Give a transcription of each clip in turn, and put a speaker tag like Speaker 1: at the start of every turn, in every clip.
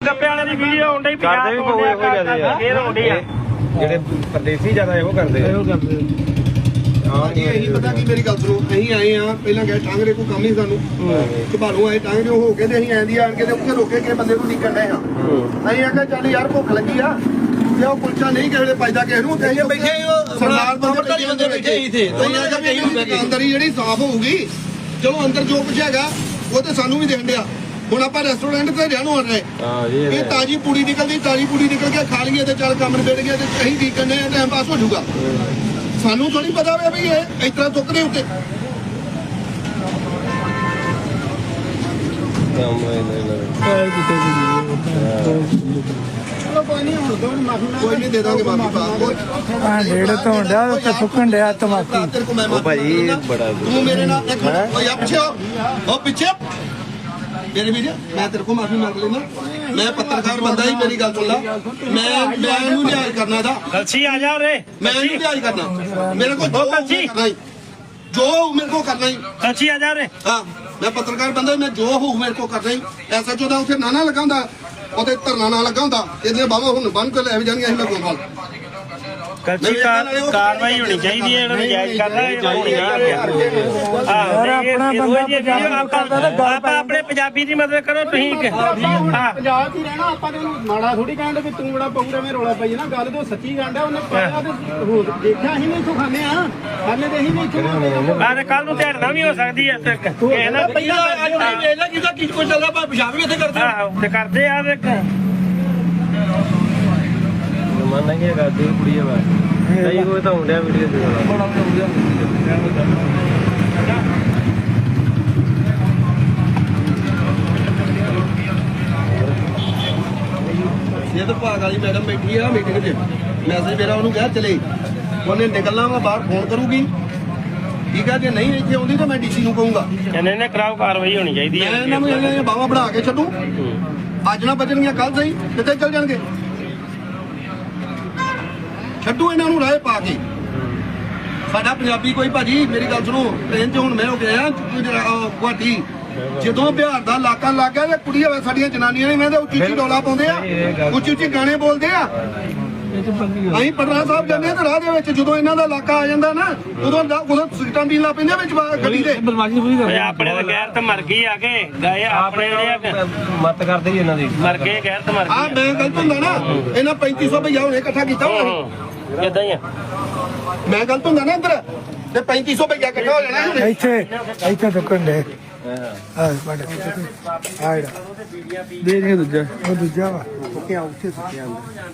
Speaker 1: ਗੱਪੇ ਵਾਲੇ ਦੀ ਵੀਡੀਓ ਆਉਂਦੀ ਕਰਦੇ ਵੀ ਬਹੁਤ ਇਹੋ ਜਿਆਦੇ ਆ ਫੇਰ ਆਉਂਦੀ ਆ ਜਿਹੜੇ ਪਰਦੇਸੀ ਜ਼ਿਆਦਾ ਇਹੋ ਕਰਦੇ ਆ
Speaker 2: ਹਾਂ ਜੀ ਇਹੀ ਪਤਾ ਕੀ ਮੇਰੀ ਗੱਲ ਸੁਣੋ ਅਸੀਂ ਆਏ ਆ ਪਹਿਲਾਂ ਗਏ ਟਾਂਗਰੇ ਕੋਈ ਕੰਮ ਹੀ ਸਾਨੂੰ ਘਬਾਲੂ ਆਏ ਟਾਂਗਰੇ ਹੋ ਕੇ ਤੇ ਅਸੀਂ ਆਂਦੀ ਆਣ ਕੇ ਤੇ ਉੱਥੇ ਰੋਕੇ ਕੇ ਬੰਦੇ ਨੂੰ ਨਿਕਲ ਰਹੇ ਆ ਅਸੀਂ ਆਖਿਆ ਚੱਲ ਯਾਰ ਭੁੱਖ ਲੱਗੀ ਆ ਤੇ ਉਹ ਕੁਲਚਾ ਨਹੀਂ ਕਿਸੇ ਵੇਲੇ ਪਾਈਦਾ ਕਿਸੇ ਨੂੰ ਤੇ ਅਸੀਂ ਬੈਠੇ ਸਰਦਾਰ ਬੰਦੇ ਬੈਠੇ ਹੀ ਥੇ ਤੇ ਅਸੀਂ ਆਖਿਆ ਅੰਦਰ ਹੀ ਜਿਹੜੀ ਸਾਫ਼ ਹੋਊਗੀ ਚਲੋ ਅੰਦਰ ਜੋ ਕੁਝ ਹੈਗਾ ਉਹ ਤੇ ਸਾਨੂੰ ਵੀ ਦੇਣ ਡਿਆ ਹੁਣ ਆਪਾਂ ਰੈਸਟੋਰੈਂਟ ਤੇ ਰਹਿਣੋਂ ਆ ਰਹੇ ਇਹ ਤਾਜੀ ਪੂੜੀ ਨਿਕਲਦੀ ਤਾਜੀ ਪੂੜੀ ਨਿਕਲ ਕੇ ਖਾ ਲਈਏ ਤੇ ਚੱਲ ਕੰਮ ਨਿਬੜ ਗਿਆ ਤੇ ਅਸੀਂ ਕੀ ਕਰਨੇ ਆ ਟਾਈਮ ਪਾਸ ਹੋ ਜਾਊਗਾ ਸਾਨੂੰ ਥੋੜੀ ਪਤਾ ਹੋਵੇ ਵੀ ਇਹ ਇਸ ਤਰ੍ਹਾਂ ਚੁੱਕਦੇ ਉੱਤੇ ਕੋਈ ਨਹੀਂ ਦੇ ਦਾਂਗੇ ਮਾਫੀ ਪਾ
Speaker 3: ਡੇਢ ਤੋਂ ਡਿਆ ਉੱਤੇ ਸੁੱਕਣ ਡਿਆ ਤਮਾਕੀ
Speaker 2: ਉਹ ਭਾਈ ਬੜਾ ਤੂੰ ਮੇਰੇ ਨਾਲ ਇੱਕ ਮਿੰਟ ਓਏ ਆ ਪਿੱਛੇ ਉਹ ਪਿੱਛੇ ਮੇਰੇ ਵੀਰ ਮੈਂ ਤੇਰੇ ਕੋਲ ਮਾਫੀ ਮੰਗ ਲੈਣਾ ਮੈਂ ਪੱਤਰਕਾਰ ਬੰਦਾ ਹੀ ਮੇਰੀ ਗੱਲ ਸੁਣ ਲਾ ਮੈਂ ਇਹਨੂੰ ਲਿਆਜ ਕਰਨਾ ਦਾ
Speaker 1: ਕਲਸੀ ਆ ਜਾ ਰੇ
Speaker 2: ਮੈਂ ਇਹਨੂੰ ਲਿਆਜ ਕਰਨਾ ਮੇਰੇ ਕੋਲ ਜੋ ਕਰਨਾ ਹੀ ਜੋ ਮੇਰੇ ਕੋਲ ਕਰਨਾ ਹੀ
Speaker 1: ਕਲਸੀ ਆ ਜਾ ਰੇ
Speaker 2: ਹਾਂ ਮੈਂ ਪੱਤਰਕਾਰ ਬੰਦਾ ਮੈਂ ਜੋ ਹੋਊ ਮੇਰੇ ਕੋਲ ਕਰਨਾ ਹੀ ਐਸਾ ਚੋਦਾ ਉੱਥੇ ਨਾ ਲਗਾਉਂਦਾ ਉਹਦੇ ਧਰਨਾ ਨਾ ਲਗਾਉਂਦਾ ਇਹਦੇ ਬਾਬਾ ਹੁਣ ਬੰਨ ਕੇ ਲੈ ਜਾਣਗੇ ਅਸੀਂ ਮੈਂ ਕੋਲ
Speaker 1: ਕਲਸੀ ਕਾਰਵਾਈ ਹੋਣੀ ਚਾਹੀਦੀ ਹੈ ਇਹਨਾਂ ਨੂੰ ਜਾਇਜ਼ ਕਰਨਾ ਆਪਾਂ ਆਪਣੇ ਪੰਜਾਬੀ ਦੀ ਮਦਦ ਕਰੋ ਤੁਸੀਂ
Speaker 4: ਪੰਜਾਬ 'ਚ ਹੀ ਰਹਿਣਾ ਆਪਾਂ ਤੇ ਉਹਨੂੰ ਮਾੜਾ ਥੋੜੀ ਕਹਿੰਦੇ ਵੀ ਤੂੰ ਬੜਾ ਪਊ ਐਵੇਂ ਰੌਲਾ ਪਈ ਨਾ ਗੱਲ ਤੋਂ ਸੱਚੀ ਗੱਲ ਹੈ ਉਹਨੇ ਪਹਿਲਾਂ ਤੇ ਦੇਖਿਆ ਅਸੀਂ ਨਹੀਂ ਇੱਥੋਂ ਖਾਂਦੇ ਆ ਖਾਂਦੇ ਤੇ ਅਸੀਂ ਨਹੀਂ ਇੱਥੋਂ
Speaker 1: ਬਾਅਦ ਕੱਲ ਨੂੰ ਢੇੜਨਾ ਵੀ ਹੋ ਸਕਦੀ ਹੈ ਤੇ ਪਹਿਲਾਂ
Speaker 2: ਇਹਦਾ ਕਿਹਦਾ ਕੀ ਕੋਈ ਚੱਲਦਾ ਪਰ ਪਿਸ਼ਾਬ ਵੀ ਇੱਥੇ ਕਰਦੇ
Speaker 1: ਆਹੋ ਤੇ ਕਰਦੇ ਆ ਵੇਖ
Speaker 5: ਮਨ ਨਹੀਂ ਹੈਗਾ ਦੀ ਕੁੜੀ ਆ ਨਹੀਂ ਕੋਈ ਤਾਂ ਹੁੰਦਿਆ ਵੀਡੀਓ ਦੇ
Speaker 2: ਇਹ ਤਾਂ ਭਾਗ ਵਾਲੀ ਮੈਡਮ ਬੈਠੀ ਆ ਮੀਟਿੰਗ 'ਚ ਮੈਸੇਜ ਮੇਰਾ ਉਹਨੂੰ ਕਿਹਾ ਚਲੇ ਉਹਨੇ ਨਿਕਲਣਾ ਵਾ ਬਾਹਰ ਫੋਨ ਕਰੂਗੀ ਠੀਕ ਆ ਜੇ ਨਹੀਂ ਇੱਥੇ ਆਉਂਦੀ ਤਾਂ ਮੈਂ ਡੀਸੀ ਨੂੰ ਕਹੂੰਗਾ
Speaker 1: ਇਹਨੇ ਨੇ ਕਰਾਓ ਕਾਰਵਾਈ ਹੋਣੀ ਚਾਹੀਦੀ ਹੈ
Speaker 2: ਮੈਂ ਇਹਨਾਂ ਨੂੰ ਇਹ ਬਾਵਾ ਬਣਾ ਕੇ ਛੱਡੂ ਅੱਜ ਨਾ ਬਚਣਗੀਆਂ ਕੱਲ ਸਹੀ ਕਿੱਥੇ ਚੱਲ ਜਾਣਗੇ ਛੱਡੂ ਇਹਨਾਂ ਨੂੰ ਰਾਹ ਪਾ ਕੇ ਸਾਡਾ ਪੰਜਾਬੀ ਕੋਈ ਭਾਜੀ ਮੇਰੀ ਗੱਲ ਸੁਣੋ ਟ੍ਰੇਨ 'ਚ ਹੁਣ ਮੈਂ ਹੋ ਗਿਆ ਗੁਆਟੀ ਜਦੋਂ ਬਿਹਾਰ ਦਾ ਇਲਾਕਾ ਲੱਗ ਗਿਆ ਤੇ ਕੁੜੀ ਹੋਵੇ ਸਾਡੀਆਂ ਜਨਾਨੀਆਂ ਨੇ ਮੈਂ ਤਾਂ ਉੱਚੀ ਉੱਚੀ ਡੋਲਾ ਪਾਉਂਦੇ ਆ ਉੱਚੀ ਉੱਚੀ ਗਾਣੇ ਬੋਲਦੇ ਆ ਅਸੀਂ ਪਟਨਾ ਸਾਹਿਬ ਜਾਂਦੇ ਆ ਤੇ ਰਾਹ ਦੇ ਵਿੱਚ ਜਦੋਂ ਇਹਨਾਂ ਦਾ ਇਲਾਕਾ ਆ ਜਾਂਦਾ ਨਾ ਉਦੋਂ ਸਿਗਰਟਾਂ ਪੀਣ ਲੱਗ ਪੈਂਦੇ ਵਿੱਚ ਗੱਡੀ ਦੇ
Speaker 1: ਆਪਣੇ ਤਾਂ ਗੈਰਤ ਮਰ ਗਈ ਆ ਕੇ ਗਏ ਆਪਣੇ
Speaker 5: ਮਤ ਕਰਦੇ ਜੀ ਇਹਨਾਂ ਦੀ
Speaker 1: ਮਰ ਗਏ ਗੈਰਤ ਮਰ ਗਈ
Speaker 2: ਆ ਮੈਂ ਗਲਤ ਹੁੰਦਾ ਨਾ ਇਹਨਾਂ 3500 ਭਈਆ ਹੁਣੇ ਇਕੱਠਾ ਕੀਤਾ ਹੋਣਾ
Speaker 1: ਇਦਾਂ ਹੀ ਆ
Speaker 2: ਮੈਂ ਗਲਤ ਹੁੰਦਾ ਨਾ ਇੱਧਰ ਤੇ 3500 ਭਈਆ ਇਕੱਠਾ ਹੋ ਜਾਣਾ
Speaker 3: ਇੱਥੇ ਸੁੱਕਣ ਡੇ ਦੇ ਦੇ ਦੂਜਾ ਉਹ ਦੂਜਾ ਵਾ ਸੁੱਕਿਆ ਉੱਥੇ ਸੁੱਕਿਆ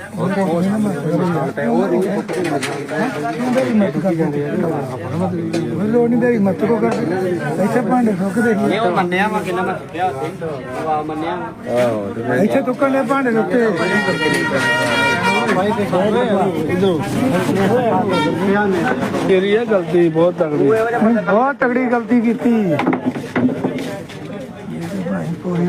Speaker 3: ਲੋੜ ਨਹੀਂ ਦੇ ਮਤ ਕੋ ਕਰ ਇੱਥੇ ਭਾਂਡੇ ਸੁੱਕਦੇ
Speaker 4: ਇਹ ਉਹ ਮੰਨਿਆ ਵਾ ਕਿੰਨਾ ਮੈਂ ਸੁੱਟਿਆ ਉੱਥੇ ਵਾ ਮੰਨਿਆ ਵਾ
Speaker 3: ਇੱਥੇ ਸੁੱਕਣ ਦੇ ਭਾਂਡੇ ਉੱਤੇ
Speaker 5: ਤੇਰੀ ਇਹ ਗਲਤੀ ਬਹੁਤ
Speaker 3: ਤਗੜੀ ਗਲਤੀ ਕੀਤੀ ਪੂਰੀ